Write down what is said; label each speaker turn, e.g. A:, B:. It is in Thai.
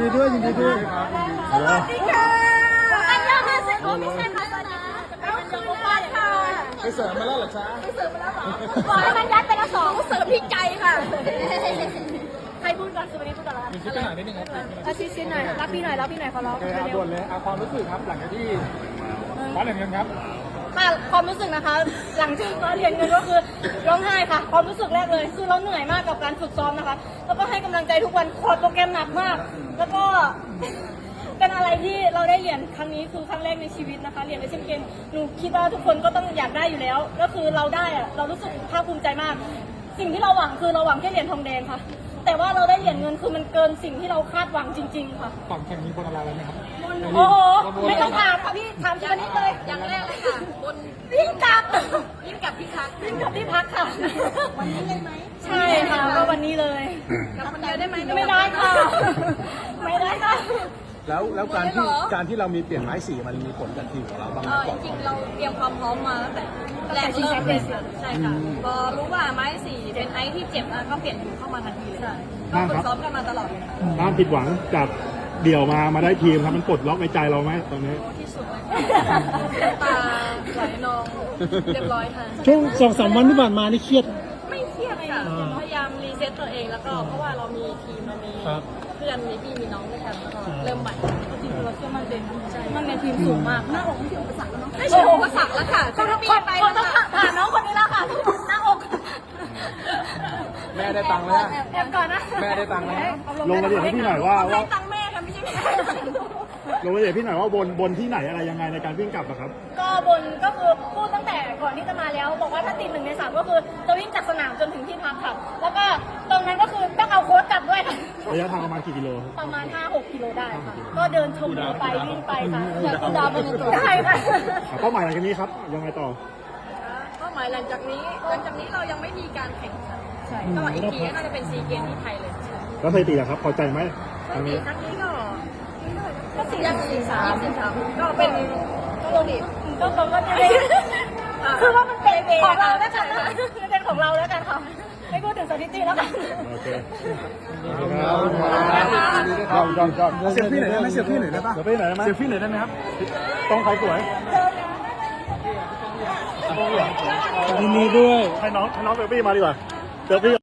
A: ดีด้วยยินดีด้วย
B: สวัสดีค่ะอันยองฮาเซโอมิเซนมาแล้วนะเอาคืนมาค่ะ
A: ไปเสริมมาแล้วเหรอจ๊ะ
B: ไปเสิร์ฟมาแล้วเหรอบอกให้มันยัดไปละ2เสิร์ฟพี่ไก่ค่ะใครพูดก่อนคือวันนี้พูดก่อนละ
A: มีคลิปไปหานิดนึงครับ
B: ชิดๆหน่อยรับพี่หน่อยขอร้อง
A: โอเคครับด่วนเลยเอาความรู้สึกครับหลังจากที่คว้าเหรียญเงินครับ
B: ค่ะความรู้สึกนะคะ หลังจากมาเรียนกันก็คือร้องไห้ค่ะความรู้สึกแรกเลยคือเราเหนื่อยมากกับการฝึกซ้อมนะคะ แล้วก็ให้กำลังใจทุกวันคอร์สโปรแกรมหนักมาก แล้วก็ เป็นอะไรที่เราได้เหรียญครั้งนี้คือครั้งแรกในชีวิตนะคะเหรียญเอเชียนเกมหนูคิดว่าทุกคนก็ต้องอยากได้อยู่แล้ว ก็คือเราได้อะเรารู้สึกภาคภูมิใจมาก สิ่งที่เราหวังคือเราหวังแค่เหรียญทองแดงค่ะ แต่ว่าเราได้เหรียญเงินคือมันเกินสิ่งที่เราคาดหวังจริง ๆ ค่ะ
A: ก่อนแข่งมีบนอะไรไหมครับ
B: โอ้โหไม่ต้องถามค่ะพี่ถามทีละนิดเลยอย่างแรกเลยค่ะบนวิ่งกลับที่พักค่ะ วันนี้เลยไหมใช่ค่ะก็วันนี้เลยกลับคนเดียวได้ไหมไม่ได้ค่ะไม่ได้ค่ะ
A: แล้วการที่เรามีเปลี่ยนไม้สีมันมีผลกับทีมของเราบ้างไหมก่อน
C: จริงๆเราเตรียมความพร้อมมาตั้งแต่แรกเริ่มเลยใช่ค่ะพอรู้ว่าไม้สีเป็นไอซ์ที่เจ็บแล้วก็เปลี่ยนเข้ามาทันทีเลยก็ฝึกซ้อมกันมาตลอดเลยค่ะ
D: ความผิดหวังจากเดี่ยวมาได้ทีมครับมันปลดล็อกในใจเราไหมตอนนี้
C: โอ้ที่สุดเลยตาไหลนองเรียบร้อยค่ะ
A: ช่วง2-3 วันที่ผ่านมานี่เครียด
C: ไม่เครียดค่ะพยายามรีเซ็ตตัวเองแล้วก็เพราะว่าเรามีทีมเรามีเพื่อนมีพี่มีน้องด้วยกันแล้วก็เริ่มใหม่
B: จริงๆเราเชื่อมั่นเด่นมันในทีมสูงมากหน้าอกไม่ใช่อุปสรรคแล้วเนาะ
C: ไม่ใช่อุปสรรคแล้วค่ะจะปีนไป
B: คนต้องผ่านน้องคนนี้แล้วค่ะหน้าอก
A: แม่ได้ตังค์แล้ว
B: แอบก่อนนะ
A: แม่ได้ตังค์แล้ว
D: ลงรายละเอียดให้พี่หน่อยว่า
C: ให้ตังค์แม่ค่ะไม่ใช่แม่
D: ลงรายละเอียดพี่หน่อยว่าบนที่ไหนอะไรยังไงในการวิ่งกลับอะครับ
B: ก็บนก็คือพูดตั้งแต่ก่อนที่จะมาแล้ว บอกว่าถ้าติด1 ใน 3ก็คือจะวิ่งจากสนามจนถึงที่พักค่ะ แล้วก็ตรงนั้นก็คือต้องเอาโค้ชกลับด้วยค่ะ
D: ระยะทางประมาณกี่กิโลครับ
B: ประมาณ 5-6 กิโลได้ค่ะ ก็เดินชมวิวไปวิ่งไปค่ะอยากกินดาวบนตัวได้ค่ะ
D: เป้าหมายหลังจากนี้ครับยังไงต่อ
C: เป้าหมายหลังจากนี้เรายังไม่มีการแข่งขันก็อีกทีก็น่าจะเป็นซีเกมที่ไทยเลย
D: แล้วสถิติอะครับพอใจไหมครั้งนี้
C: ครั้งนี้ก็43ก็เป็นก็โลดิ
B: ก็เขาก็จะได้คือว่ามันเป็นของเราแล้วกันค่ะคือเป็นของเราแล้วกันค่ะ ไม่พูดถึงสถิติแล้วกัน
D: โอเค
A: เซลฟี่หน่อยได้ไหมเซลฟี่หน่อยได้ปะ
D: เดี๋ยวไปไหนได้ไหม
A: เซลฟี่หน่อยได้ไหมครับ
D: ต้องใครสวย
A: ยินดีด้วย
D: ให้น้องเซลฟี่มาดีกว่าเซลฟี่